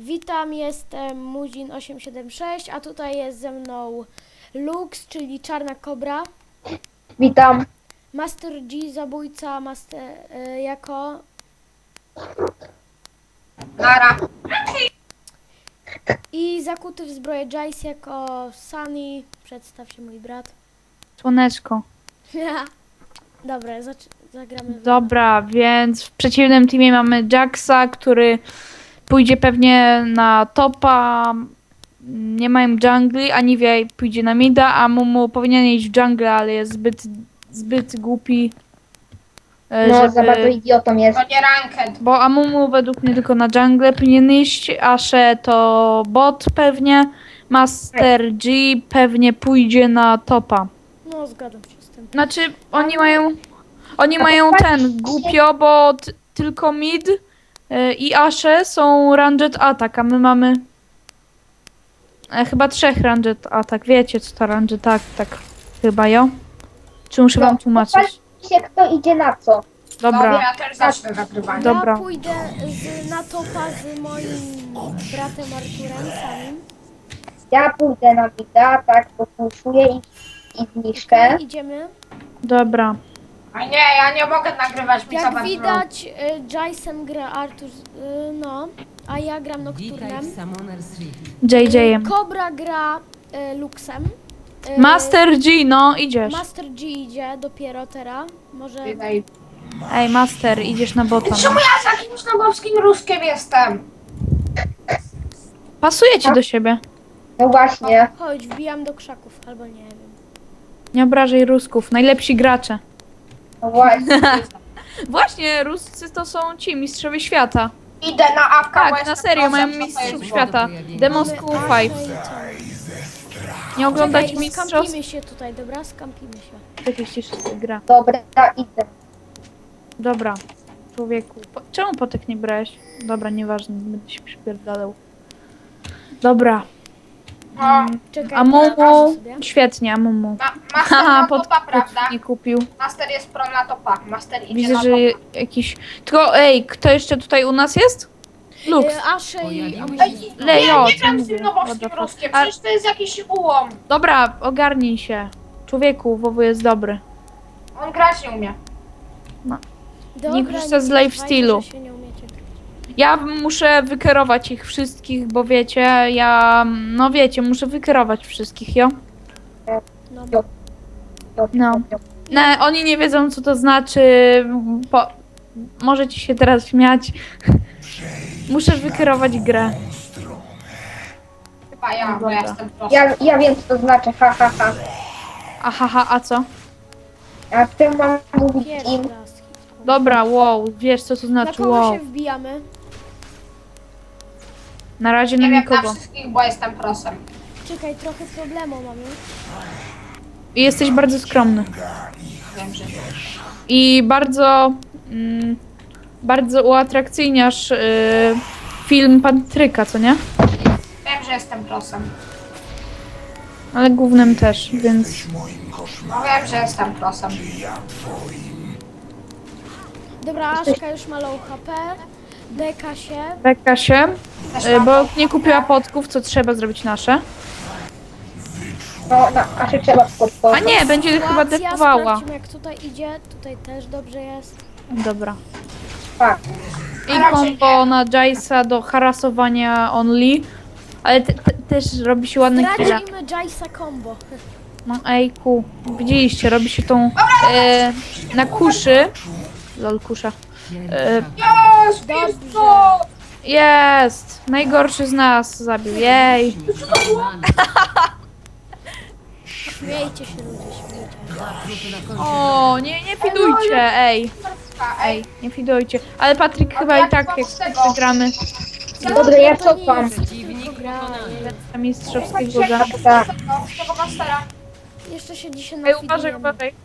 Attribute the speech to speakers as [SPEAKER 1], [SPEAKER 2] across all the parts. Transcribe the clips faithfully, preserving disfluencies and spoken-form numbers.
[SPEAKER 1] Witam, jestem Muzin osiem siedem sześć, a tutaj jest ze mną Lux, czyli Czarna Kobra.
[SPEAKER 2] Witam.
[SPEAKER 1] Master G, zabójca, master, y, jako...
[SPEAKER 3] Nara.
[SPEAKER 1] I zakuty w zbroję Jace jako Sunny. Przedstaw się, mój brat.
[SPEAKER 4] Słoneczko.
[SPEAKER 1] Dobra, zac- zagramy. w-
[SPEAKER 4] Dobra, więc w przeciwnym teamie mamy Jacksa, który pójdzie pewnie na topa. Nie mają jungli, a Nivea pójdzie na mida, a Mumu powinien iść w jungle, ale jest zbyt, zbyt głupi, e,
[SPEAKER 2] No,
[SPEAKER 4] żeby...
[SPEAKER 2] za bardzo idiotą jest.
[SPEAKER 3] To nie ranked.
[SPEAKER 4] Bo Amumu według mnie tylko na jungle powinien iść, Ashe to bot pewnie, Master G pewnie pójdzie na topa.
[SPEAKER 1] No, zgadzam się z tym.
[SPEAKER 4] Znaczy, oni mają. Oni
[SPEAKER 2] A
[SPEAKER 4] mają
[SPEAKER 2] popatrzcie.
[SPEAKER 4] ten głupio, bo t- tylko mid y, i Ashe są ranged attack, a my mamy. E, chyba trzech ranged attack. Wiecie co to ranged attack? Chyba jo? Czy muszę wam tłumaczyć?
[SPEAKER 2] Popatrzcie, kto idzie na co.
[SPEAKER 3] Dobra,
[SPEAKER 4] Dobra.
[SPEAKER 3] ja też zacznę nagrywanie.
[SPEAKER 4] Dobra.
[SPEAKER 1] Ja pójdę z, na topa z moim bratem Arturem samym.
[SPEAKER 2] Ja pójdę na mida, tak, popuszuję i, i zniszczę.
[SPEAKER 1] Idziemy.
[SPEAKER 4] Dobra.
[SPEAKER 3] A nie, ja nie mogę nagrywać, mi
[SPEAKER 1] Jak
[SPEAKER 3] zabrać
[SPEAKER 1] widać, y, Jace'em gra Artur, y, no, a ja gram Nocturnem.
[SPEAKER 4] J J.
[SPEAKER 1] Kobra gra y, Luxem. Y,
[SPEAKER 4] Master G, no idziesz.
[SPEAKER 1] Master G idzie dopiero teraz. Może.
[SPEAKER 3] Wydaj.
[SPEAKER 4] Ej, Master, idziesz na bota.
[SPEAKER 3] Czemu
[SPEAKER 4] No.
[SPEAKER 3] ja z jakimś nogowskim ruskiem jestem?
[SPEAKER 4] Pasuje ci do siebie.
[SPEAKER 2] No właśnie.
[SPEAKER 1] Chodź, wbijam do krzaków, albo nie wiem.
[SPEAKER 4] Nie obrażaj Rusków, najlepsi gracze.
[SPEAKER 2] No właśnie.
[SPEAKER 4] Właśnie, Ruscy to są ci mistrzowie świata.
[SPEAKER 3] Idę na awka, bo
[SPEAKER 4] Tak, na
[SPEAKER 3] jestem
[SPEAKER 4] serio, mają
[SPEAKER 3] prosem, co to
[SPEAKER 4] mistrzów
[SPEAKER 3] jest
[SPEAKER 4] świata. Demon
[SPEAKER 1] Mamy
[SPEAKER 4] School
[SPEAKER 1] Ashe i
[SPEAKER 4] pięć.
[SPEAKER 1] co?
[SPEAKER 4] Nie oglądać
[SPEAKER 1] Czekaj,
[SPEAKER 4] mistrzostw?
[SPEAKER 1] skampimy się tutaj, dobra? Skampimy się.
[SPEAKER 4] Jakieś ścieżki gra.
[SPEAKER 2] Dobra, idę.
[SPEAKER 4] Dobra, człowieku. Po, czemu potek nie brałeś? Dobra, nieważne, nie będę się przypierdalał. Dobra.
[SPEAKER 3] No,
[SPEAKER 1] Czekaj,
[SPEAKER 4] A
[SPEAKER 1] pokażę
[SPEAKER 4] Mumu?
[SPEAKER 1] sobie.
[SPEAKER 4] Świetnie, a Mumu.
[SPEAKER 3] ma, master
[SPEAKER 4] Haha,
[SPEAKER 3] na
[SPEAKER 4] pod,
[SPEAKER 3] topa,
[SPEAKER 4] pod
[SPEAKER 3] prawda?
[SPEAKER 4] nie kupił.
[SPEAKER 3] Master jest pro na topa. Master idzie
[SPEAKER 4] Widzę,
[SPEAKER 3] na
[SPEAKER 4] że
[SPEAKER 3] topa.
[SPEAKER 4] jakiś... Tylko ej, kto jeszcze tutaj u nas jest? Lux.
[SPEAKER 1] Y, Ashe i
[SPEAKER 3] Ej,
[SPEAKER 4] Lejo,
[SPEAKER 3] nie, nie
[SPEAKER 4] co
[SPEAKER 3] gram z
[SPEAKER 4] mówię?
[SPEAKER 3] tym nowowskim
[SPEAKER 4] What the fuck?
[SPEAKER 3] ruskiem,
[SPEAKER 4] A-
[SPEAKER 3] przecież to jest jakiś ułom.
[SPEAKER 4] Dobra, ogarnij się. Człowieku, W W jest dobry.
[SPEAKER 3] On grać nie umie.
[SPEAKER 1] Dobra,
[SPEAKER 4] nie korzysta z
[SPEAKER 1] używajcie,
[SPEAKER 4] lifestealu.
[SPEAKER 1] że się nie umiecie grać.
[SPEAKER 4] Ja muszę wykierować ich wszystkich, bo wiecie, ja... No wiecie, muszę wykierować wszystkich, jo?
[SPEAKER 1] No,
[SPEAKER 4] No. No, oni nie wiedzą, co to znaczy. Po... Możecie się teraz śmiać. Muszę wykierować grę.
[SPEAKER 3] Chyba ja, bo
[SPEAKER 4] Dobra.
[SPEAKER 3] ja jestem prosem.
[SPEAKER 2] Ja, ja wiem, co to znaczy, ha, ha, ha.
[SPEAKER 4] Aha, ha, a co?
[SPEAKER 2] A w tym mam mówić
[SPEAKER 1] pierwszy
[SPEAKER 2] im.
[SPEAKER 1] raz.
[SPEAKER 4] Dobra, wow, wiesz, co to
[SPEAKER 1] Na
[SPEAKER 4] znaczy
[SPEAKER 1] kogo
[SPEAKER 4] wow.
[SPEAKER 1] się wbijamy?
[SPEAKER 4] Na razie
[SPEAKER 3] Nie
[SPEAKER 4] na
[SPEAKER 3] wiem na
[SPEAKER 4] nikogo.
[SPEAKER 3] wszystkich, bo jestem prosem.
[SPEAKER 1] Czekaj, trochę problemu mamy.
[SPEAKER 4] I jesteś bardzo skromny.
[SPEAKER 3] Wiem, że
[SPEAKER 4] I bardzo... Mm, bardzo uatrakcyjniasz y, film Patryka, co nie?
[SPEAKER 3] wiem, że jestem prosem.
[SPEAKER 4] Ale głównym też, więc...
[SPEAKER 3] No wiem, że jestem prosem.
[SPEAKER 1] Dobra, Aszka już ma low H P. Deka się.
[SPEAKER 4] Beka się,
[SPEAKER 3] Też
[SPEAKER 4] y,
[SPEAKER 3] mam
[SPEAKER 4] bo
[SPEAKER 3] to.
[SPEAKER 4] nie kupiła podków, co trzeba zrobić nasze.
[SPEAKER 2] No, na, a się trzeba
[SPEAKER 4] A
[SPEAKER 2] podpowiedzieć.
[SPEAKER 4] nie, będzie chyba
[SPEAKER 1] Sytuacja,
[SPEAKER 4] defowała.
[SPEAKER 1] sprawdźmy, jak tutaj idzie. Tutaj też dobrze jest.
[SPEAKER 4] Dobra.
[SPEAKER 2] Tak.
[SPEAKER 4] I kombo na Jace'a do harasowania only. Ale te, te, też robi się ładne killa.
[SPEAKER 1] Stracimy Jace'a combo.
[SPEAKER 4] No ejku, widzieliście, robi się tą e, na kuszy. Lol, kusza. E,
[SPEAKER 3] Jest, jest
[SPEAKER 1] Dobrze.
[SPEAKER 3] to!
[SPEAKER 4] jest! Najgorszy z nas zabił. Jej!
[SPEAKER 1] Śmiejcie się ludzie, śmiejcie.
[SPEAKER 4] O, nie, nie fidujcie, ej.
[SPEAKER 3] Ej,
[SPEAKER 4] Nie fidujcie. Ale Patryk chyba i tak, jak wygramy
[SPEAKER 2] Dobra, ja
[SPEAKER 1] To nie
[SPEAKER 2] cofam.
[SPEAKER 1] jest tylko gra.
[SPEAKER 4] na mistrzowskiego za.
[SPEAKER 2] Tak.
[SPEAKER 3] z tego mastera.
[SPEAKER 1] Jeszcze się dzisiaj
[SPEAKER 4] Ej, uważaj,
[SPEAKER 1] nafidujemy.
[SPEAKER 4] uważaj.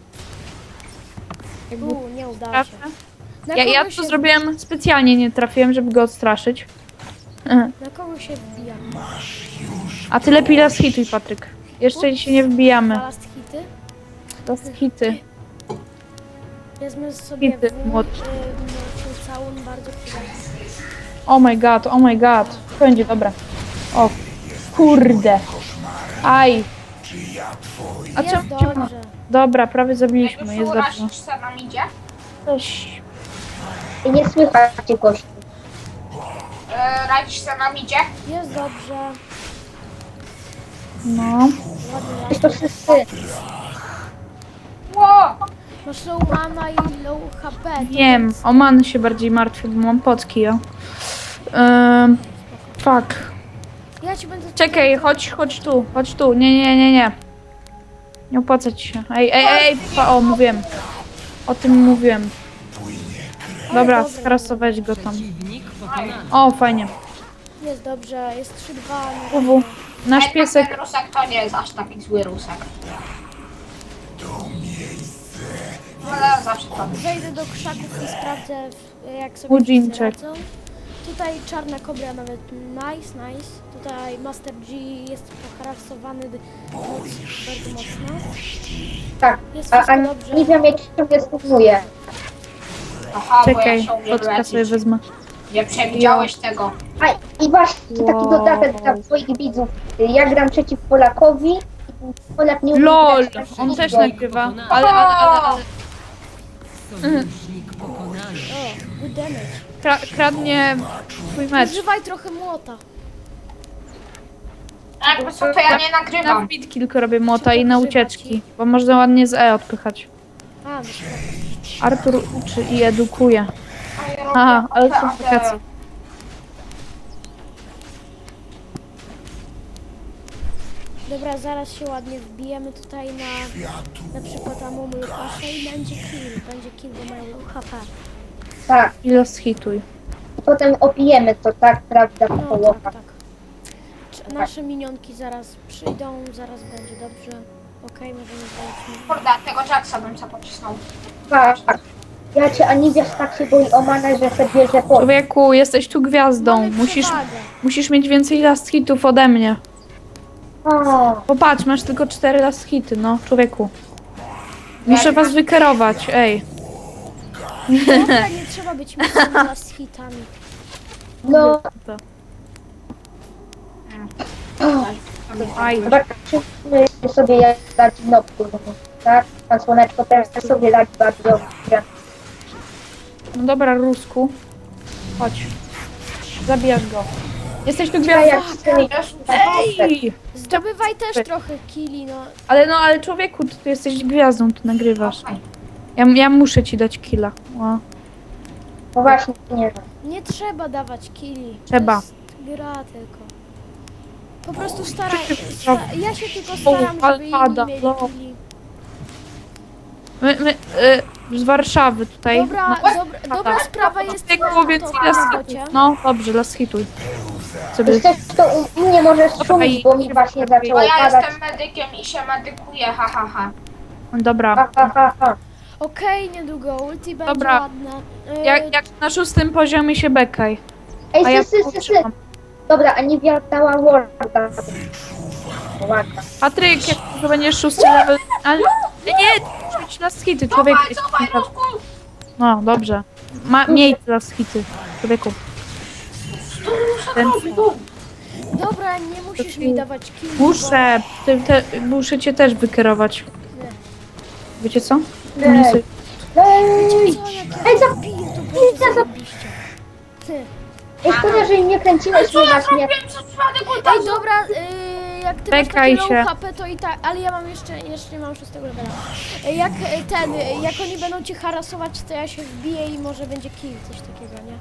[SPEAKER 1] U, nie udało
[SPEAKER 4] Trafę.
[SPEAKER 1] się. Na
[SPEAKER 4] Ja, ja
[SPEAKER 1] kogo
[SPEAKER 4] to
[SPEAKER 1] się-
[SPEAKER 4] zrobiłem specjalnie, nie trafiłem, żeby go odstraszyć. Mhm.
[SPEAKER 1] Na kogo się wbijamy?
[SPEAKER 4] A ty lepiej las hituj, Patryk. Jeszcze się nie wbijamy.
[SPEAKER 1] Balast hity?
[SPEAKER 4] Las hity.
[SPEAKER 1] Wezmę sobie
[SPEAKER 4] Hity,
[SPEAKER 1] w, y,
[SPEAKER 4] młodszy.
[SPEAKER 1] młodszy całun bardzo przydatny.
[SPEAKER 4] Oh my god, oh my god. Będzie, dobra. O, kurde. Aj. A
[SPEAKER 1] Jest
[SPEAKER 4] czemu?
[SPEAKER 1] dobrze.
[SPEAKER 4] Dobra, prawie
[SPEAKER 3] Jak
[SPEAKER 4] zabiliśmy,
[SPEAKER 3] już
[SPEAKER 4] jest dobrze.
[SPEAKER 3] urazisz se nam idzie?
[SPEAKER 4] Coś.
[SPEAKER 2] I nie słychać cię, gościu.
[SPEAKER 3] E, radzisz se nam idzie?
[SPEAKER 1] Jest dobrze.
[SPEAKER 4] No.
[SPEAKER 1] Ładnie
[SPEAKER 2] Jest to
[SPEAKER 1] ładnie.
[SPEAKER 2] wszyscy.
[SPEAKER 3] Ło!
[SPEAKER 1] Masz low mana i low H P. to
[SPEAKER 4] Wiem,
[SPEAKER 1] więc-
[SPEAKER 4] o man się bardziej martwię, bo mam potki, ja. Ym, fuck.
[SPEAKER 1] Ja ci będę...
[SPEAKER 4] Czekaj, chodź, chodź tu, chodź tu. Nie, nie, nie, nie. Nie opłaca ci się. Ej, ej, ej, pa, o, mówiłem. O tym mówiłem. Dobra,
[SPEAKER 1] dobra.
[SPEAKER 4] skrasować go tam. O, fajnie.
[SPEAKER 1] Jest dobrze, jest trzy dwa.
[SPEAKER 4] Uwu. Nasz
[SPEAKER 3] Ej,
[SPEAKER 4] piesek.
[SPEAKER 3] Ten rusek to nie jest aż taki zły rusek. Ale zawsze to.
[SPEAKER 1] Zejdę do krzaków i sprawdzę, w- jak sobie
[SPEAKER 4] Udzinczek.
[SPEAKER 1] wszyscy radzą. Tutaj czarna kobra nawet nice, nice. Tutaj Master G jest poharasowany d- moc, bardzo mocno.
[SPEAKER 2] Tak.
[SPEAKER 1] Jest
[SPEAKER 2] A, a
[SPEAKER 1] wszystko dobrze.
[SPEAKER 2] nie wiem, jak ciągle stopnuje.
[SPEAKER 3] Aha, bo ja
[SPEAKER 4] Czekaj,
[SPEAKER 3] się umiem
[SPEAKER 4] potka sobie
[SPEAKER 3] leczyć.
[SPEAKER 4] wezmę.
[SPEAKER 3] Nie przewidziałeś tego.
[SPEAKER 2] A i właśnie taki
[SPEAKER 4] Wow.
[SPEAKER 2] dodatek dla twoich widzów. Ja gram przeciw Polakowi i Polak nie umie
[SPEAKER 4] LOL!
[SPEAKER 2] grać przeciw
[SPEAKER 4] On też
[SPEAKER 2] niego.
[SPEAKER 4] nagrywa. Ale, ale, ale, ale.
[SPEAKER 1] O, good damage.
[SPEAKER 4] Kra kradnie twój mecz.
[SPEAKER 1] Używaj trochę młota.
[SPEAKER 3] A jakby co, to ja nie
[SPEAKER 4] Na
[SPEAKER 3] nagrywam.
[SPEAKER 4] wbit kilku robię młota i na ucieczki, bo można ładnie z E odpychać.
[SPEAKER 1] A, no szkoda.
[SPEAKER 4] Artur uczy i edukuje. Aha, ale są wakacje.
[SPEAKER 1] Dobra, zaraz się ładnie wbijemy tutaj na na przykład Amumu Lukasza i będzie kill. Będzie kill, bo mają low H P.
[SPEAKER 2] Tak.
[SPEAKER 4] I los hituj.
[SPEAKER 2] I potem opijemy to, tak, prawda,
[SPEAKER 1] No
[SPEAKER 2] połowa.
[SPEAKER 1] tak, tak. Czy nasze minionki zaraz przyjdą, zaraz będzie dobrze. Okej, możemy zająć.
[SPEAKER 3] Kurde, tego Jacksa bym sobie pocisnął.
[SPEAKER 2] Tak. Ja cię Aniwiasz tak się boi o manę, że sobie bierze po.
[SPEAKER 4] Człowieku, jesteś tu gwiazdą.
[SPEAKER 1] Mamy
[SPEAKER 4] Musisz,
[SPEAKER 1] przewagę.
[SPEAKER 4] musisz mieć więcej last hitów ode mnie.
[SPEAKER 2] O,
[SPEAKER 4] Popatrz, masz tylko cztery last hity, no, człowieku. Muszę was wykerować, ej.
[SPEAKER 1] Dobra, nie trzeba być mocnymi z hitami.
[SPEAKER 2] no,
[SPEAKER 4] Aj,
[SPEAKER 2] zobaczymy sobie jak dać nocturno, tak? Pan Słoneczko teraz sobie dać bardzo dobrze.
[SPEAKER 4] no dobra, Rusku. Chodź. Zabijasz go. Jesteś tu
[SPEAKER 2] Ja
[SPEAKER 4] gwiazdą.
[SPEAKER 2] jak chcę mieć
[SPEAKER 4] Ej!
[SPEAKER 1] Zdobywaj też trochę killi, no.
[SPEAKER 4] Ale no, ale człowieku, ty, ty jesteś gwiazdą, ty nagrywasz. Ja, ja muszę ci dać killa. O,
[SPEAKER 2] No właśnie, nie.
[SPEAKER 1] Nie trzeba dawać killi.
[SPEAKER 4] Trzeba.
[SPEAKER 1] To jest gra tylko. Po prostu staraj.
[SPEAKER 4] Przecież
[SPEAKER 1] Sta ja się tylko staram,
[SPEAKER 4] O,
[SPEAKER 1] żeby inni
[SPEAKER 4] Alpada,
[SPEAKER 1] mieli
[SPEAKER 4] no.
[SPEAKER 1] killi.
[SPEAKER 4] my, my y, z Warszawy tutaj.
[SPEAKER 1] Dobra,
[SPEAKER 4] na-
[SPEAKER 1] dobra, dobra sprawa jest
[SPEAKER 4] Człowieku, więc
[SPEAKER 1] to,
[SPEAKER 4] las
[SPEAKER 1] na
[SPEAKER 4] hituj.
[SPEAKER 1] bocie.
[SPEAKER 4] No, dobrze, las hituj. Sobie.
[SPEAKER 2] Wiesz też, to u mnie możesz szumić, bo mi właśnie
[SPEAKER 3] Bo
[SPEAKER 2] zaczęło
[SPEAKER 3] ja
[SPEAKER 2] padać.
[SPEAKER 3] jestem medykiem i się medykuję, ha ha ha.
[SPEAKER 4] Dobra.
[SPEAKER 2] Ha, ha, ha, ha.
[SPEAKER 1] Okej, niedługo ulti będzie
[SPEAKER 4] Dobra.
[SPEAKER 1] ładne. Y,
[SPEAKER 4] Jak, jak na szóstym poziomie się bekaj.
[SPEAKER 2] Ej,
[SPEAKER 4] A ja
[SPEAKER 2] sy, sy, sy, sy.
[SPEAKER 4] potrzymam.
[SPEAKER 2] Dobra, Aniwia dała warda. Ładna.
[SPEAKER 4] Patryk, jak to będziesz szósty level... Ale nie, nie, musisz mieć las hity, człowiek.
[SPEAKER 3] Cofaj, cofaj, Rusku!
[SPEAKER 4] No, dobrze. Ma, miej las hity, człowieku. Ten,
[SPEAKER 1] Dobra, nie musisz mi dawać killi.
[SPEAKER 4] muszę, ty, te, muszę cię też wykerować.
[SPEAKER 1] Nie.
[SPEAKER 4] Wiecie co?
[SPEAKER 2] Nie.
[SPEAKER 4] Nie sobie-
[SPEAKER 2] Ej,
[SPEAKER 1] Co, jak ja
[SPEAKER 2] Ej, za-
[SPEAKER 1] zabiję, to
[SPEAKER 2] Ej,
[SPEAKER 1] będzie
[SPEAKER 2] za-
[SPEAKER 1] zarobiście. Ty.
[SPEAKER 2] ej, szkoda, że nie kręciłeś
[SPEAKER 3] Co
[SPEAKER 2] mnie
[SPEAKER 3] ja
[SPEAKER 2] właśnie.
[SPEAKER 3] zrobiłem przez przypadek
[SPEAKER 1] Ej,
[SPEAKER 3] ultazu?
[SPEAKER 1] dobra, y, jak ty masz
[SPEAKER 4] Czekaj
[SPEAKER 1] takie
[SPEAKER 4] się.
[SPEAKER 1] low H P, to i tak, ale ja mam jeszcze, jeszcze nie mam szóstego levela. Y, Jak y, ten, y, jak oni będą cię harasować, to ja się wbiję i może będzie kill, coś takiego, nie?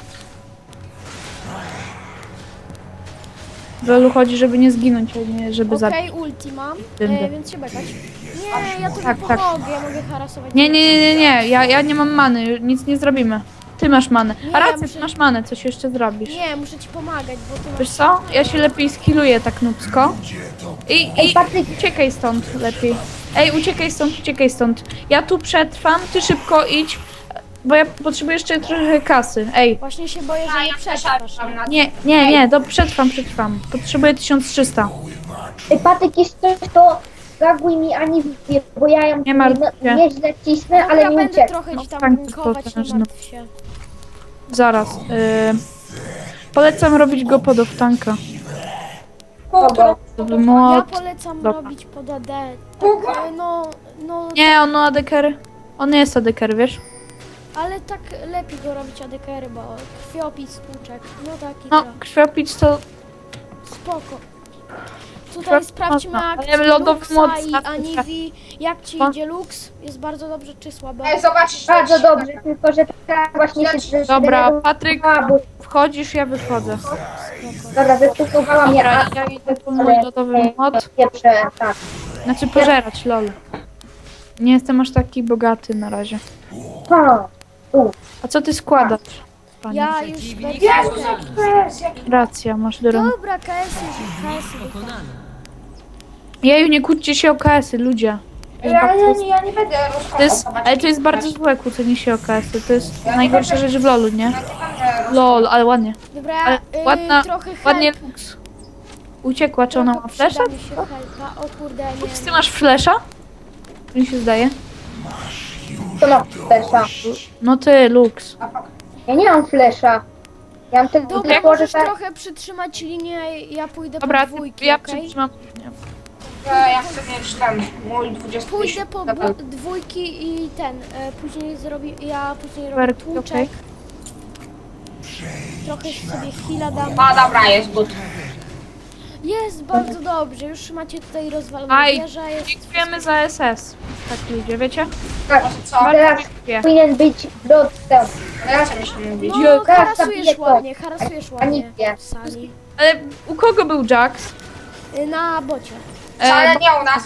[SPEAKER 4] W Lolu chodzi, żeby nie zginąć, a nie żeby zabić.
[SPEAKER 1] Okej, ulti mam,
[SPEAKER 4] Dyndę.
[SPEAKER 1] y, więc się bekać. Nie, ja tobie
[SPEAKER 4] Tak, tak.
[SPEAKER 1] pomogę, ja mogę harasować.
[SPEAKER 4] Nie, nie, nie, nie, nie. Ja, ja nie mam many, nic nie zrobimy. Ty masz manę.
[SPEAKER 1] Nie,
[SPEAKER 4] A
[SPEAKER 1] ja
[SPEAKER 4] racja,
[SPEAKER 1] muszę-
[SPEAKER 4] ty masz manę, coś jeszcze zrobisz.
[SPEAKER 1] Nie, muszę ci pomagać, bo ty masz...
[SPEAKER 4] Wiesz co? Ja się lepiej skilluję tak nubsko. I,
[SPEAKER 2] Ej,
[SPEAKER 4] i
[SPEAKER 2] Patryk,
[SPEAKER 4] uciekaj stąd lepiej. Ej, uciekaj stąd, uciekaj stąd. Ja tu przetrwam, ty szybko idź, bo ja potrzebuję jeszcze trochę kasy. Ej,
[SPEAKER 1] Właśnie się boję,
[SPEAKER 3] A
[SPEAKER 1] że nie
[SPEAKER 3] ja
[SPEAKER 1] przetrwasz.
[SPEAKER 3] przeszłam na
[SPEAKER 4] nie, nie, nie, do, przetrwam, przetrwam. Potrzebuję tysiąc trzysta.
[SPEAKER 2] ej, Patryk, jeśli coś, to zaguj mi Aniwię, bo ja ją
[SPEAKER 4] Nie martw się.
[SPEAKER 2] nie, nieźle cisnę,
[SPEAKER 1] Dobra,
[SPEAKER 2] ale nie
[SPEAKER 1] będę
[SPEAKER 2] ucieknę.
[SPEAKER 1] trochę
[SPEAKER 4] No
[SPEAKER 1] ci tam
[SPEAKER 4] tak,
[SPEAKER 1] bunkować, nie
[SPEAKER 4] potężny.
[SPEAKER 1] martw się.
[SPEAKER 4] Zaraz. Yy, Polecam robić go pod tanka.
[SPEAKER 2] Kogo?
[SPEAKER 4] Żeby
[SPEAKER 1] Ja
[SPEAKER 4] młot...
[SPEAKER 1] polecam
[SPEAKER 4] Dobra.
[SPEAKER 1] robić pod A D. Tak, e, no, no,
[SPEAKER 4] Nie, on ma adekery. On nie jest adeker, wiesz?
[SPEAKER 1] ale tak lepiej go robić A D K R, bo krwiopis, tłuczek, no taki
[SPEAKER 4] No,
[SPEAKER 1] to.
[SPEAKER 4] krwiopic to...
[SPEAKER 1] Spoko. Tutaj
[SPEAKER 4] Krwiopis
[SPEAKER 1] sprawdźmy
[SPEAKER 4] można,
[SPEAKER 1] akcję
[SPEAKER 4] ale lodowy
[SPEAKER 1] Luxa
[SPEAKER 4] moc
[SPEAKER 1] i
[SPEAKER 4] zawsze
[SPEAKER 1] Anivi. Jak ci
[SPEAKER 4] No.
[SPEAKER 1] idzie Lux? Jest bardzo dobrze czy słabo?
[SPEAKER 3] Ej, zobaczysz.
[SPEAKER 2] Bardzo dobrze, tylko że tak właśnie się
[SPEAKER 4] Dobra,
[SPEAKER 2] zdenerwowała,
[SPEAKER 4] Patryk,
[SPEAKER 2] bo
[SPEAKER 4] wchodzisz, ja wychodzę.
[SPEAKER 2] dobra, zestresowała mnie,
[SPEAKER 4] Dobra,
[SPEAKER 2] a
[SPEAKER 4] ja idę po mój lodowy mod.
[SPEAKER 2] pierwsze, tak.
[SPEAKER 4] Znaczy pożerać, lol. Nie jestem aż taki bogaty na razie.
[SPEAKER 2] Ha, tu.
[SPEAKER 4] A co ty składasz? Panie?
[SPEAKER 1] Ja już będę...
[SPEAKER 3] Jezus, jaki to jest, jaki...
[SPEAKER 4] Racja, masz drogę.
[SPEAKER 1] Dobra, K S już, K S
[SPEAKER 4] Jeju, nie kłóćcie się o K S-y, ludzie.
[SPEAKER 3] Ja, ja, nie, ja nie będę
[SPEAKER 4] To jest,
[SPEAKER 3] rozkładał.
[SPEAKER 4] ale to jest bardzo złe kłócenie się o K S-y. To jest najgorsza rzecz w lolu, nie?
[SPEAKER 3] Ja nie będę
[SPEAKER 4] Lol, ale ładnie.
[SPEAKER 1] Dobra,
[SPEAKER 4] Ale
[SPEAKER 1] y,
[SPEAKER 4] ładna,
[SPEAKER 1] trochę help.
[SPEAKER 4] ładnie Lux. Uciekła, czy ona ma
[SPEAKER 1] Trochę
[SPEAKER 4] flesza?
[SPEAKER 1] przyda mi się helpa. O kurde, nie.
[SPEAKER 4] Ty masz flesza? Mi się zdaje.
[SPEAKER 2] To ma flesza.
[SPEAKER 4] No ty, Lux.
[SPEAKER 2] Ja nie mam flesza. Ja mam tylko,
[SPEAKER 1] Dobra,
[SPEAKER 2] tylko że
[SPEAKER 1] możesz
[SPEAKER 2] tak...
[SPEAKER 1] trochę przytrzymać linię, ja pójdę
[SPEAKER 4] Dobra,
[SPEAKER 1] po dwójki,
[SPEAKER 4] ja
[SPEAKER 1] okej?
[SPEAKER 4] przytrzymam.
[SPEAKER 3] Ja, ja chcę mieć ten mój dwudziesty
[SPEAKER 1] Pójdę po
[SPEAKER 3] level.
[SPEAKER 1] bu- dwójki i ten, e, później zrobię, ja później robię
[SPEAKER 4] Werki,
[SPEAKER 1] tłuczek.
[SPEAKER 4] okej.
[SPEAKER 1] Trochę sobie heala dam.
[SPEAKER 3] A dobra, jest good.
[SPEAKER 1] Jest bardzo dobrze, już macie tutaj rozwaloną
[SPEAKER 4] Aj,
[SPEAKER 1] wieżę, jest...
[SPEAKER 4] dziękujemy za S S. Tak ludzie, wiecie?
[SPEAKER 2] Tak,
[SPEAKER 3] Co?
[SPEAKER 2] teraz
[SPEAKER 4] dziękuję.
[SPEAKER 2] powinien być dostęp.
[SPEAKER 3] Ja co myślę mówić?
[SPEAKER 1] No,
[SPEAKER 2] teraz
[SPEAKER 1] harasujesz
[SPEAKER 2] zabiję to.
[SPEAKER 1] ładnie, harasujesz
[SPEAKER 2] A
[SPEAKER 1] ładnie
[SPEAKER 2] nie.
[SPEAKER 1] w sali.
[SPEAKER 4] Ale u kogo był Jax?
[SPEAKER 1] Y, Na bocie.
[SPEAKER 3] Ale
[SPEAKER 4] E,
[SPEAKER 3] nie u nas.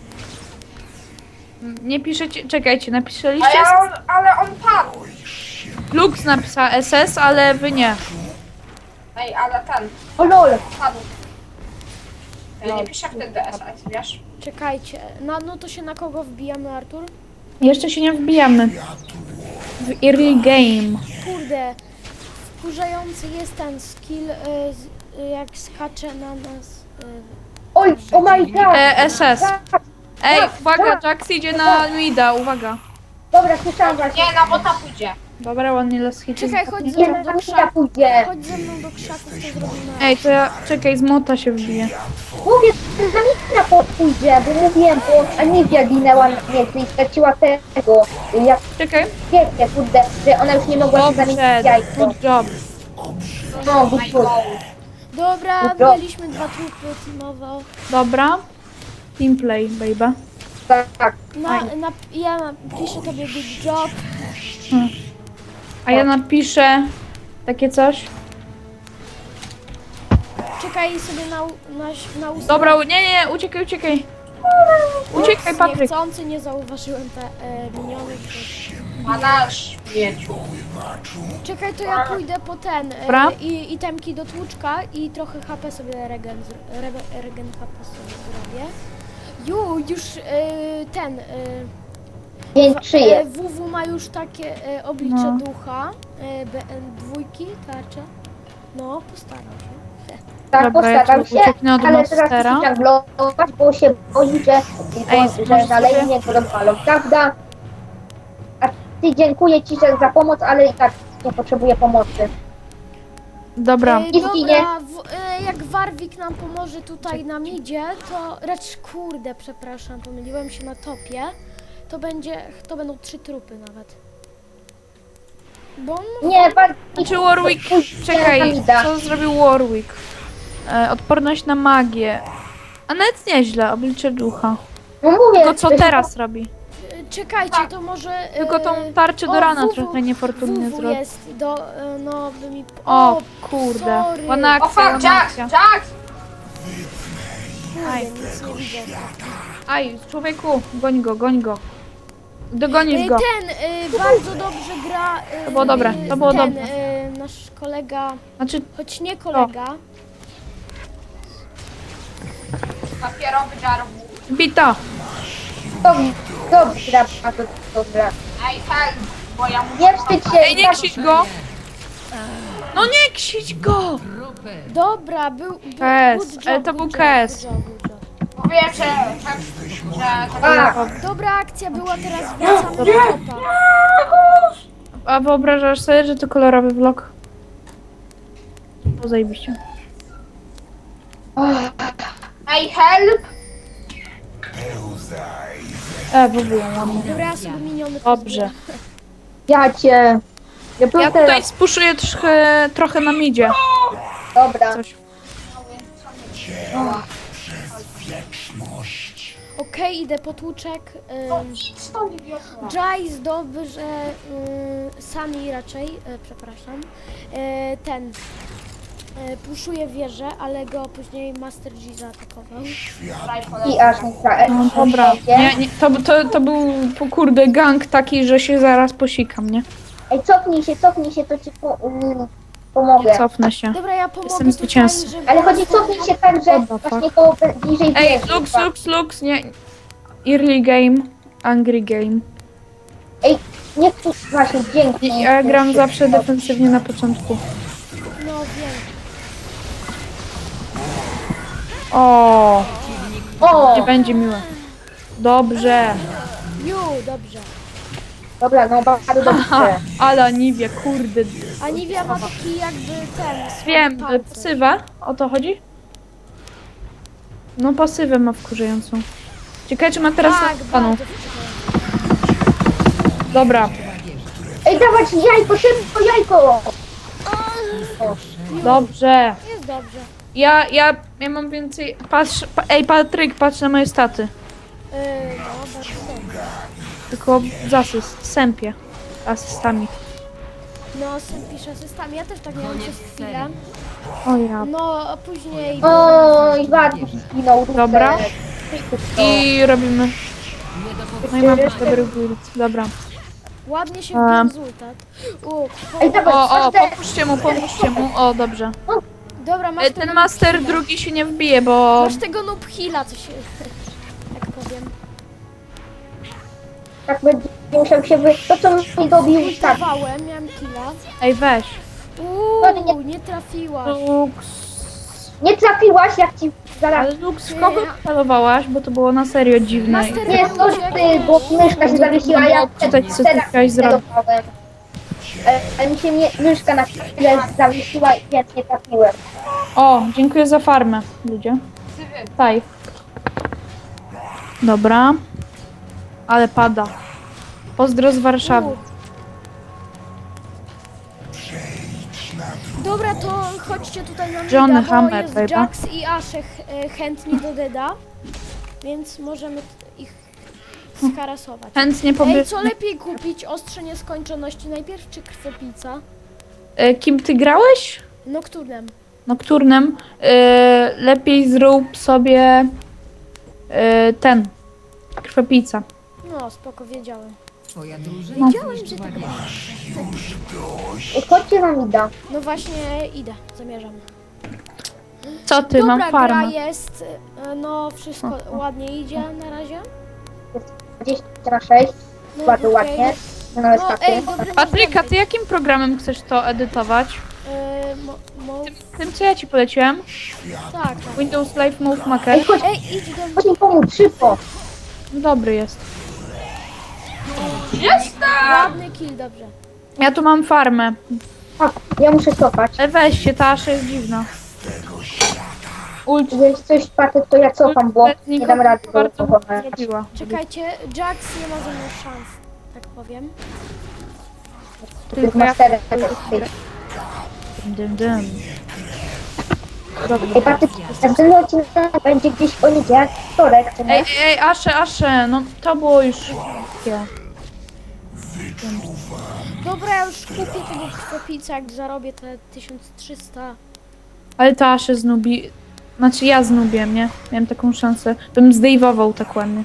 [SPEAKER 4] nie piszecie, czekajcie, napisaliście?
[SPEAKER 3] Ale on, ale on padł.
[SPEAKER 4] Lux napisał S S, ale wy nie.
[SPEAKER 3] Ej, ale ten
[SPEAKER 2] O lol.
[SPEAKER 3] padł. Ja nie piszę wtedy S S, wiesz?
[SPEAKER 1] Czekajcie, no, no to się na kogo wbijamy, Artur?
[SPEAKER 4] Jeszcze się nie wbijamy. W early game.
[SPEAKER 1] Kurde, wkurzający jest ten skill, y, z, y, jak skacze na nas. Y,
[SPEAKER 2] Oj, oh my god.
[SPEAKER 4] E, S S.
[SPEAKER 2] Tak.
[SPEAKER 4] Ej,
[SPEAKER 2] Tak,
[SPEAKER 4] uwaga,
[SPEAKER 2] tak.
[SPEAKER 4] Jax idzie na mida, uwaga.
[SPEAKER 2] Dobra, słyszałam właśnie.
[SPEAKER 3] Nie, na bota pójdzie.
[SPEAKER 4] Dobra, ładnie las hity.
[SPEAKER 1] Czekaj, chodź ze
[SPEAKER 2] Nie,
[SPEAKER 1] mną
[SPEAKER 2] na
[SPEAKER 1] do
[SPEAKER 2] mnie
[SPEAKER 1] krzaków.
[SPEAKER 2] pójdzie.
[SPEAKER 1] Chodź ze mną do krzaków, to zrobimy.
[SPEAKER 4] Ej, to ja, czekaj, z mota się wbije.
[SPEAKER 2] Mówię, że na mnie na pójdzie, bo mówiłem, bo Aniwia ginęła na mnie i straciła tego. Jak
[SPEAKER 4] Czekaj.
[SPEAKER 2] wiecie, kurde, że ona już nie mogła się zamienić w
[SPEAKER 4] Dobrze,
[SPEAKER 2] jajko.
[SPEAKER 4] good job.
[SPEAKER 2] No, good, good.
[SPEAKER 1] Dobra,
[SPEAKER 2] Dobra.
[SPEAKER 1] byliśmy dwa trupy teamowo.
[SPEAKER 4] Dobra. Teamplay, baby.
[SPEAKER 2] Tak.
[SPEAKER 1] Na, na, ja piszę tobie big job.
[SPEAKER 4] A ja napiszę takie coś.
[SPEAKER 1] Czekaj sobie na, u- na, na ustawienie.
[SPEAKER 4] Dobra, nie, nie, uciekaj, uciekaj. Uciekaj, Patryk.
[SPEAKER 1] Niechcący nie zauważyłem te e, miniony.
[SPEAKER 3] A na śmieciu.
[SPEAKER 1] Czekaj, to ja pójdę po ten
[SPEAKER 4] Dobra.
[SPEAKER 1] e, i itemki do tłuczka i trochę H P sobie regen, zr- re, regen H P sobie zrobię. Ju, już e, ten e,
[SPEAKER 2] Pięć
[SPEAKER 1] e,
[SPEAKER 2] szyję.
[SPEAKER 1] W W ma już takie e, oblicze
[SPEAKER 4] No.
[SPEAKER 1] ducha, e, B, e, dwójki, tarcze. No, postaram się.
[SPEAKER 2] Tak,
[SPEAKER 4] Dobra, ja
[SPEAKER 2] postaram
[SPEAKER 4] tu
[SPEAKER 2] się,
[SPEAKER 4] ucieknę od
[SPEAKER 2] ale teraz
[SPEAKER 4] monstera.
[SPEAKER 2] muszę żonglować, bo się boi, że,
[SPEAKER 4] Ej,
[SPEAKER 2] że
[SPEAKER 4] możesz
[SPEAKER 2] na
[SPEAKER 4] sobie-
[SPEAKER 2] lejnie go rozwalą, prawda? A ty dziękuję ci że za pomoc, ale i tak nie potrzebuję pomocy.
[SPEAKER 4] Dobra.
[SPEAKER 1] E,
[SPEAKER 2] I zginie.
[SPEAKER 1] dobra, w, e, jak Warwick nam pomoże tutaj na midzie, to raczej kurde, przepraszam, pomyliłem się na topie. To będzie, to będą trzy trupy nawet. Bo on,
[SPEAKER 2] Nie, bardziej...
[SPEAKER 4] Czy Warwick... Czekaj, co zrobił Warwick? E, odporność na magię. A nawet nieźle, oblicze ducha.
[SPEAKER 2] No mówię,
[SPEAKER 4] Tylko co
[SPEAKER 2] że-
[SPEAKER 4] teraz robi?
[SPEAKER 1] e, czekajcie, to może... e,
[SPEAKER 4] Tylko tą tarczę do
[SPEAKER 1] o,
[SPEAKER 4] rana
[SPEAKER 1] W W
[SPEAKER 4] trochę niefortunnie
[SPEAKER 1] W W
[SPEAKER 4] zrobił.
[SPEAKER 1] jest do, e, no by mi...
[SPEAKER 4] O, kurde.
[SPEAKER 1] sorry.
[SPEAKER 4] Ładna
[SPEAKER 3] O
[SPEAKER 4] akcja,
[SPEAKER 3] fuck,
[SPEAKER 4] ładna
[SPEAKER 3] Jax!
[SPEAKER 4] akcja.
[SPEAKER 3] Jax!
[SPEAKER 1] Kurde, nic nie widzę.
[SPEAKER 4] Aj, człowieku, goń go, goń go. Dogonisz
[SPEAKER 1] E,
[SPEAKER 4] go.
[SPEAKER 1] Ten e, bardzo dobrze gra... e,
[SPEAKER 4] To było dobre, to było
[SPEAKER 1] ten,
[SPEAKER 4] dobre.
[SPEAKER 1] e, nasz kolega,
[SPEAKER 4] Znaczy,
[SPEAKER 1] choć nie kolega,
[SPEAKER 3] Papierowy żarwu.
[SPEAKER 4] bita.
[SPEAKER 2] Dobrze, dobrze, bardzo dobrze.
[SPEAKER 3] Ej, tak, bo ja muszę...
[SPEAKER 2] Nie wstydź się.
[SPEAKER 4] Ej, nie
[SPEAKER 2] tak-
[SPEAKER 4] ksić go. No nie ksić go.
[SPEAKER 1] dobra, był... był
[SPEAKER 4] K S,
[SPEAKER 1] good job,
[SPEAKER 4] ale to
[SPEAKER 1] good
[SPEAKER 4] był
[SPEAKER 1] job,
[SPEAKER 4] K S.
[SPEAKER 1] good job, good job.
[SPEAKER 3] Mówię, że... że, że,
[SPEAKER 2] A,
[SPEAKER 1] Dobra akcja była, teraz wracamy do topa.
[SPEAKER 4] A wyobrażasz sobie, że to kolorowy vlog? to zajebiście.
[SPEAKER 3] Ej, help!
[SPEAKER 4] E, w ogóle ładnie.
[SPEAKER 1] Dobra, ja sobie miniony
[SPEAKER 4] Dobrze.
[SPEAKER 2] Ja cię... Ja,
[SPEAKER 4] Ja
[SPEAKER 2] ja
[SPEAKER 4] tutaj spuszuję trochę, trochę na midzie.
[SPEAKER 2] Dobra.
[SPEAKER 4] Coś.
[SPEAKER 1] Okej, idę po tłuczek.
[SPEAKER 3] No
[SPEAKER 1] Ym,
[SPEAKER 3] idź stąd, idioto.
[SPEAKER 1] Jais dobrze, y, Sami raczej, y, przepraszam, y, ten, y, puszuje wieżę, ale go później Master G zaatakował.
[SPEAKER 2] I aż nie tra-
[SPEAKER 4] No dobra. Nie, nie, to, to, to był po kurde gang taki, że się zaraz posikam, nie?
[SPEAKER 2] Ej, cofnij się, cofnij się, to ci po, mm, pomogę.
[SPEAKER 4] Nie cofnę się.
[SPEAKER 1] Dobra, ja pomogę
[SPEAKER 4] Jestem
[SPEAKER 1] tutaj,
[SPEAKER 4] zwycięzcą.
[SPEAKER 1] żeby...
[SPEAKER 2] Ale chodzi, cofnij się tak, że
[SPEAKER 4] What the fuck?
[SPEAKER 2] właśnie koło bliżej
[SPEAKER 4] Ej,
[SPEAKER 2] wieży.
[SPEAKER 4] Lux, Lux, Lux, nie. Early game, angry game.
[SPEAKER 2] Ej, nie tu, właśnie, dzięki.
[SPEAKER 4] I ja gram zawsze defensywnie na początku.
[SPEAKER 1] No wiem.
[SPEAKER 4] O,
[SPEAKER 2] O,
[SPEAKER 4] nie będzie miłe. Dobrze.
[SPEAKER 1] Ju, dobrze.
[SPEAKER 2] dobra, no bardzo
[SPEAKER 4] Ha,
[SPEAKER 2] dobrze.
[SPEAKER 4] ale Aniwia, kurde.
[SPEAKER 1] A Nivea ma taki jakby ten... słaby
[SPEAKER 4] Wiem,
[SPEAKER 1] pancerz.
[SPEAKER 4] pasywę? O to chodzi? No pasywę ma wkurzającą. Ciekawe, czy ma teraz
[SPEAKER 1] Tak,
[SPEAKER 4] na panu.
[SPEAKER 1] bardzo wkurzający.
[SPEAKER 4] Dobra,
[SPEAKER 2] Ej, dawać jajko, szybko jajko!
[SPEAKER 4] dobrze.
[SPEAKER 1] Jest dobrze.
[SPEAKER 4] Ja, ja, ja mam więcej... Patrz, pa, ej Patryk, patrz na moje staty.
[SPEAKER 1] Yy, no, bardzo dobrze.
[SPEAKER 4] Tylko z asyst, sępie. Asystami.
[SPEAKER 1] No, syn pisze asystami. Ja też tak miałam przez chwilę.
[SPEAKER 4] O ja.
[SPEAKER 1] No, a później...
[SPEAKER 2] Oj, Bartuś zginął. Rufek.
[SPEAKER 4] Dobra.
[SPEAKER 2] I...
[SPEAKER 4] I robimy. No i mam dobry build. Dobra.
[SPEAKER 1] Ładnie się
[SPEAKER 4] A.
[SPEAKER 1] wbił rezultat. U,
[SPEAKER 2] Ej, dawaj,
[SPEAKER 4] O, o,
[SPEAKER 2] masz te...
[SPEAKER 4] pomóżcie mu, pomóżcie mu. O, dobrze.
[SPEAKER 1] dobra, masz
[SPEAKER 4] E,
[SPEAKER 1] tego
[SPEAKER 4] Ten master
[SPEAKER 1] noob heala.
[SPEAKER 4] drugi się nie wbije, bo...
[SPEAKER 1] Masz tego noob heala, co się... tak powiem.
[SPEAKER 2] Tak będzie musiał się wy... To co mi dobił tak.
[SPEAKER 1] Ultowałem, miałem killa.
[SPEAKER 4] Ej, weź.
[SPEAKER 1] Uuu, nie trafiłaś.
[SPEAKER 4] Lux.
[SPEAKER 2] Nie trafiłaś, jak ci zaraz...
[SPEAKER 4] Ale Lux, w kogo celowałaś? Bo to było na serio dziwne.
[SPEAKER 1] Master-
[SPEAKER 2] Nie, sorry, bo myszka się zawiesiła, a ja
[SPEAKER 4] Czytać, co ty chciałaś zrobić.
[SPEAKER 2] celowałem. Ale, ale mi się nie, myszka na chwilę zawiesiła i więc nie trafiłem.
[SPEAKER 4] O, dziękuję za farmę, ludzie. Taj. Dobra. Ale pada. Pozdro z Warszawy.
[SPEAKER 1] U. Dobra, to chodźcie tutaj na
[SPEAKER 4] Johnny
[SPEAKER 1] mida, bo
[SPEAKER 4] Hammer,
[SPEAKER 1] jest
[SPEAKER 4] baby.
[SPEAKER 1] Jax i Aszek e, chętni do Deda, więc możemy t- ich skarasować.
[SPEAKER 4] Chętnie
[SPEAKER 1] Ej,
[SPEAKER 4] pobierz...
[SPEAKER 1] co lepiej kupić? Ostrze nieskończoności najpierw, czy krwopica?
[SPEAKER 4] E, Kim ty grałeś?
[SPEAKER 1] Nocturnem.
[SPEAKER 4] Nocturnem. E, lepiej zrób sobie e, ten. Krwopica.
[SPEAKER 1] No, spoko, wiedziałem.
[SPEAKER 5] Twoja drużyna
[SPEAKER 1] Wiedziałem, że tak będzie.
[SPEAKER 2] Ej, chodźcie na mida.
[SPEAKER 1] No właśnie, idę, zamierzam.
[SPEAKER 4] Co ty,
[SPEAKER 1] Dobra,
[SPEAKER 4] mam
[SPEAKER 1] gra
[SPEAKER 4] farmę.
[SPEAKER 1] jest, e, no wszystko ładnie idzie na razie.
[SPEAKER 2] dwadzieścia na sześć.
[SPEAKER 1] No,
[SPEAKER 2] Bardzo
[SPEAKER 1] okej.
[SPEAKER 2] ładnie. No, nawet
[SPEAKER 1] No,
[SPEAKER 2] takie.
[SPEAKER 1] ej, dobry
[SPEAKER 4] Patryka, ty jakim programem chcesz to edytować?
[SPEAKER 1] E, mo, mo,
[SPEAKER 4] Tym, tym co ja ci poleciłem?
[SPEAKER 1] tak, tak.
[SPEAKER 4] Windows Live Move Maker.
[SPEAKER 2] Ej, chodź,
[SPEAKER 1] Ej, idź do mnie.
[SPEAKER 2] chodź mi pomóc, szybko.
[SPEAKER 4] Dobry jest.
[SPEAKER 1] Ładny kill, dobrze.
[SPEAKER 4] Ja tu mam farmę.
[SPEAKER 2] Tak, ja muszę cofać.
[SPEAKER 4] Ale weźcie, ta asza jest dziwna. Ult
[SPEAKER 2] Jeżeli coś Patryk, to ja cofam, bo nie dam rady go
[SPEAKER 4] bardzo
[SPEAKER 2] pokonać.
[SPEAKER 4] zrobiła.
[SPEAKER 1] Czekajcie, Jax nie ma ze mną szans, tak powiem.
[SPEAKER 2] To jest masterem.
[SPEAKER 4] Dym, dym.
[SPEAKER 2] Ej, Patryk, następny odcinek będzie gdzieś w poniedziałek, wtorek, czy
[SPEAKER 4] Ej,
[SPEAKER 2] nie?
[SPEAKER 4] ej, ej, Asze, Asze, no to było już... Ja.
[SPEAKER 1] Dobra, ja już kupię tego krwopica, jak zarobię te tysiąc trzysta.
[SPEAKER 4] Ale ta Asze znubi... Znaczy ja znubię, nie? Miałem taką szansę. Bym zdejwował tak ładnie.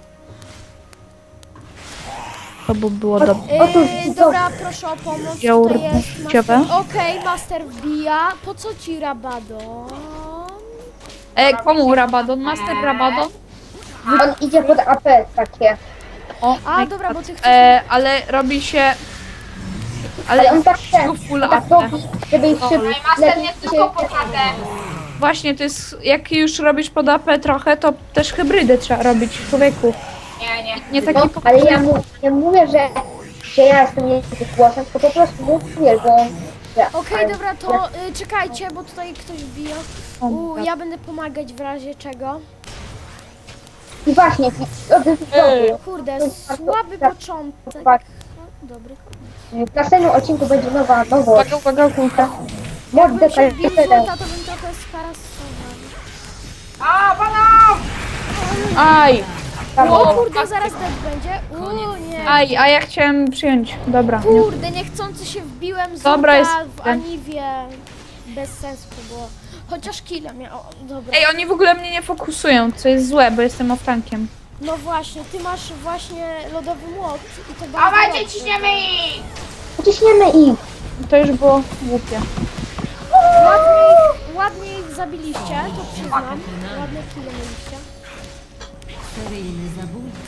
[SPEAKER 4] To by było dobre.
[SPEAKER 2] Otóż
[SPEAKER 1] Yy,
[SPEAKER 2] widzowie.
[SPEAKER 1] dobra, proszę o pomoc,
[SPEAKER 4] Wziął
[SPEAKER 1] tutaj jest
[SPEAKER 4] rtęciowe.
[SPEAKER 1] master. Okej, master wbija. Po co ci Rabadon?
[SPEAKER 4] Ej, komu Rabadon? Master Rabadon?
[SPEAKER 2] On idzie pod A P takie.
[SPEAKER 4] O,
[SPEAKER 1] A,
[SPEAKER 4] my
[SPEAKER 1] dobra,
[SPEAKER 4] God.
[SPEAKER 1] bo ty chcesz...
[SPEAKER 4] E, ale robi się...
[SPEAKER 2] Ale
[SPEAKER 4] Ale
[SPEAKER 2] on tak ten,
[SPEAKER 4] full
[SPEAKER 2] on tak
[SPEAKER 4] A P.
[SPEAKER 2] robi, żeby ich szybko
[SPEAKER 3] Ej, master nie tylko pokadę.
[SPEAKER 4] Właśnie, to jest... Jak już robisz pod A P trochę, to też hybrydę trzeba robić, człowieku.
[SPEAKER 3] Nie, nie.
[SPEAKER 4] Nie
[SPEAKER 2] No,
[SPEAKER 4] taki
[SPEAKER 2] ale ja mu, nie mówię, że, że ja jestem jego głosem, tylko po prostu mówię, że on
[SPEAKER 1] Okej, dobra, to y, czekajcie, bo tutaj ktoś bije.
[SPEAKER 4] O,
[SPEAKER 1] U,
[SPEAKER 4] tak.
[SPEAKER 1] ja będę pomagać w razie czego.
[SPEAKER 2] I właśnie, i- o, to jest
[SPEAKER 4] Ej.
[SPEAKER 2] dobry.
[SPEAKER 1] Kurde,
[SPEAKER 2] To jest bardzo-
[SPEAKER 1] słaby
[SPEAKER 2] tak,
[SPEAKER 1] początek.
[SPEAKER 2] tak.
[SPEAKER 1] Dobry.
[SPEAKER 2] W następnym odcinku będzie nowa nowość.
[SPEAKER 4] Uwaga, uwaga, uwaga.
[SPEAKER 2] Mod
[SPEAKER 1] Jakbym się wbił
[SPEAKER 2] D K jeden.
[SPEAKER 1] złota, to bym trochę skarasował.
[SPEAKER 3] A, banan!
[SPEAKER 4] Aj,
[SPEAKER 1] O kurde, zaraz dead będzie. U, nie.
[SPEAKER 4] aj, a ja chciałem przyjąć. Dobra. Nie.
[SPEAKER 1] Kurde, niechcący się wbiłem z
[SPEAKER 4] Dobra, jest-
[SPEAKER 1] w Aniwie. Bez sensu to było. Chociaż killa miał. Dobra.
[SPEAKER 4] Ej, oni w ogóle mnie nie fokusują, co jest złe, bo jestem off-tankiem.
[SPEAKER 1] No właśnie, ty masz właśnie lodowy młot i to bardzo
[SPEAKER 3] Dawajcie,
[SPEAKER 1] dobrze.
[SPEAKER 3] ciśniemy ich!
[SPEAKER 2] Ciśniemy ich.
[SPEAKER 4] To już było głupie.
[SPEAKER 1] Ładnie ich, ładnie ich zabiliście, to przyznam. Ładne kille mieliście.
[SPEAKER 5] Seryjny zabójca.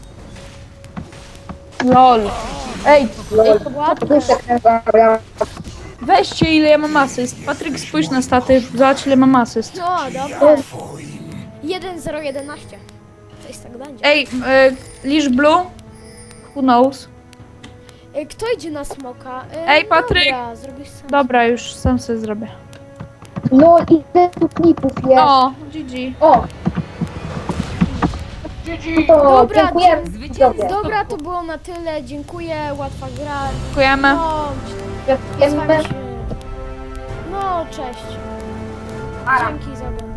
[SPEAKER 4] Lol. Ej,
[SPEAKER 2] Lol.
[SPEAKER 1] Ładne.
[SPEAKER 2] Duszek nagrał.
[SPEAKER 4] weźcie ile ja mam asyst. Patryk, spójrz na staty, zobacz ile mam asyst.
[SPEAKER 1] No, dobra. jeden zero jedenaście. Coś tak będzie.
[SPEAKER 4] Ej, y, Lish Blue? Who knows?
[SPEAKER 1] Y, Kto idzie na smoka? Y,
[SPEAKER 4] Ej, Patryk!
[SPEAKER 1] Dobra, zrobisz sam.
[SPEAKER 4] Dobra, już sam sobie zrobię.
[SPEAKER 2] No i ile tu klipów jest.
[SPEAKER 4] O, G G.
[SPEAKER 2] O, to
[SPEAKER 1] Dobra,
[SPEAKER 2] dziękuję.
[SPEAKER 5] Zwycięzca.
[SPEAKER 1] Dobra, to było na tyle. Dziękuję, łatwa gra.
[SPEAKER 4] Dziękujemy.
[SPEAKER 1] No, z
[SPEAKER 2] Dziękujemy.
[SPEAKER 1] wami się... No, cześć.
[SPEAKER 3] Ara.
[SPEAKER 1] Dzięki za oglądanie.